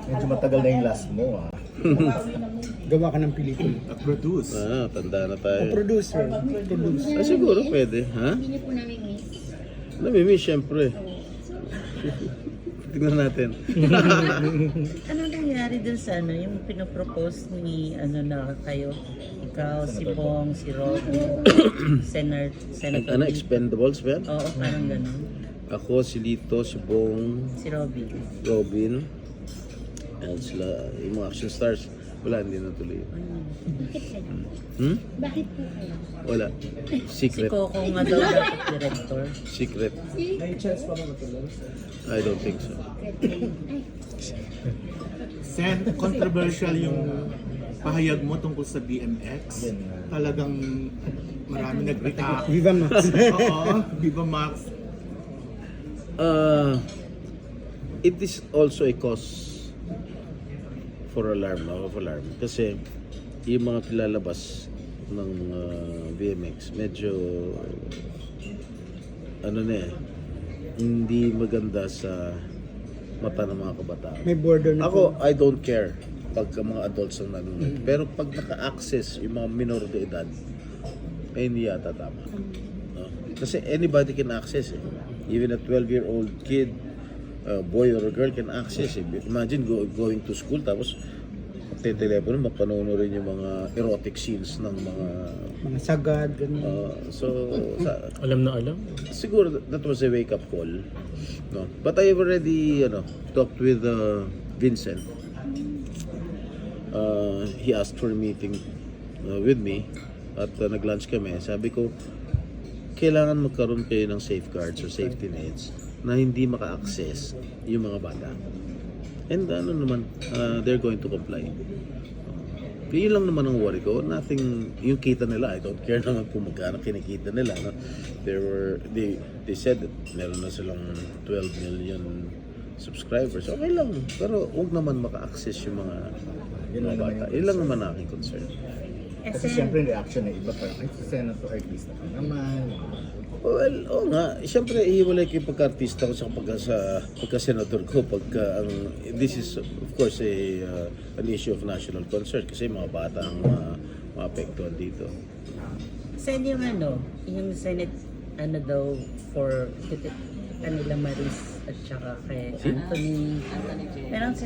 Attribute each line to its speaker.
Speaker 1: Medyo matagal na yung last mo ah.
Speaker 2: Gawa ka ng pelikula.
Speaker 3: At produce.
Speaker 4: Tanda na tayo.
Speaker 2: Producer.
Speaker 4: Siguro pwede, ha?
Speaker 5: Hindi niyo po namin miss.
Speaker 4: Namimiss, syempre. Tignan natin.
Speaker 6: Ano nangyari dun sa ano, yung pinopropose ni ano na kayo? Ikaw, si Bong, si Robin, Senator.
Speaker 4: Ano, Expendables ba yan?
Speaker 6: Oo, parang ganun.
Speaker 4: Ako, si Lito, si Bong,
Speaker 6: Si Robin.
Speaker 4: Robin, and sila, yung mga action stars. Wala, hindi natuloy.
Speaker 5: Bakit kayo?
Speaker 4: Hmm?
Speaker 5: Bakit po kayo?
Speaker 4: Wala.
Speaker 6: Si
Speaker 4: Secret.
Speaker 6: Coco nga daw dapat director.
Speaker 4: Secret.
Speaker 2: May chance pa ba matuloy?
Speaker 4: I don't think so.
Speaker 3: Sen, controversial yung pahayag mo tungkol sa BMX. Talagang marami nag-react.
Speaker 2: Viva Max.
Speaker 3: Oo, Viva Max.
Speaker 4: It is also a cause for alarm, of alarm. Kasi yung mga pilalabas ng mga BMX, medyo ano na hindi maganda sa mata ng mga kabataan.
Speaker 2: May border na
Speaker 4: Ako, I don't care pag mga adults ang nanonood. Pero pag naka-access yung mga minor de edad, ay hindi yata tama. No? Kasi anybody can access eh. Even a 12-year-old kid, boy or a girl can access eh. Imagine going to school tapos telepono mapanood rin yung mga erotic scenes ng
Speaker 2: mga sagad, ganun.
Speaker 7: Alam na alam.
Speaker 4: siguro that was a wake up call, no? But I've already talked with Vincent. He asked for a meeting with me at nag-lunch kami. Sabi ko, kailangan magkaroon kayo ng safeguards or safety nets na hindi maka-access yung mga bata. And ano naman, they're going to comply. Yun lang naman ang worry ko. Nothing, yung kita nila, I don't care naman kung magkano kinikita nila. No? They said that meron na silang 12 million subscribers. Okay lang. Pero huwag naman maka-access yung mga bata. Yun lang naman aking concern.
Speaker 1: Kasi siyempre yung reaction ng iba parang, ay, senator artista ka naman.
Speaker 4: Well, oo nga. Siyempre, ihiwalay ko yung pagka-artista ko sa pagka-senador ko. This is, of course, an issue of national concern kasi mga bata ang maapektuhan dito.
Speaker 6: Saan yung ano, yung Senate, ano daw, for kanila Maris at saka kay Anthony. Pero